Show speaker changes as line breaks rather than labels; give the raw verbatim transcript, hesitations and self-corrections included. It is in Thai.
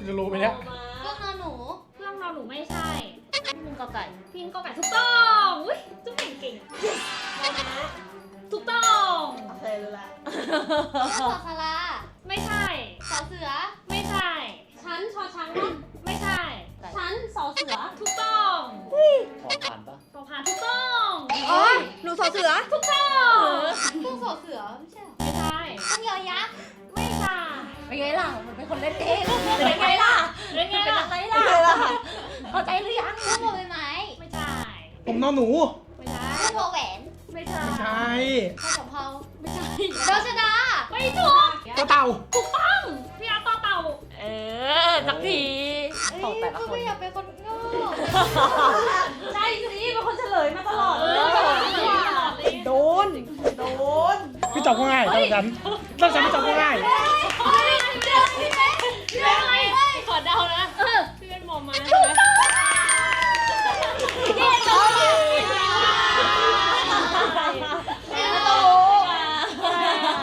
จะรู้ไหมเนี่ย
เครื่องนอนหนู
เครื่องนอนหนูไม่ใช่
พี่หนึ่งกอไก่
พิงกอไก่ถูกต้องอุ้ยจุ๊บเก่งเก่งถูกต้อง
โอเครู้ละสอสารา
ไม่ใช่
สอเสือ
ไม่ใช่
ชั้นชอช้างนะ
ไม่ใช่
ชั้นสอเสือ
ถูกต้อง
ขอผ่านปะ
ปอพานถูกต้อง
อ๋อหนูสอเสือ
ถูกต้อง
เครื่องสอเสือไม่ใช่หรอ
ไม่ใช่
เครื่องยอยักษ์
ไม่ใช่
เป็นไงล่ะ มันเป็นคนเล่นเองเป็นไงล่ะ
เรื่องไง
เป็น
ล่ะ
ยังไงล่ะเข้าใจหรือยัง
เครื่องบอใบไม้
ไม่ใช่
ผมนอนหนู
ไม่ใช่
เครื่องวอแหวน
ไม่ใช่
ไม่ใช่
เครื่องสำเภา
ไม่ใช่
ดาวชดา
ไม่ถูก
ต่อเต่า
ถูกต้องพี่อาร์ตต่อเต่า
เออสักที
เอ้ย
ของแต่ละ
ก็
คน
ไม่อยากเป็นคนโง่
ใช่สิเป็นคนเฉลยมาตลอด
เอ
เล
อย ตลอดเลย
โดน โดน
พี่จอบก็ง่ายตอนฉันตอนฉันพี่จอบก็ง่าย
เฮ้ย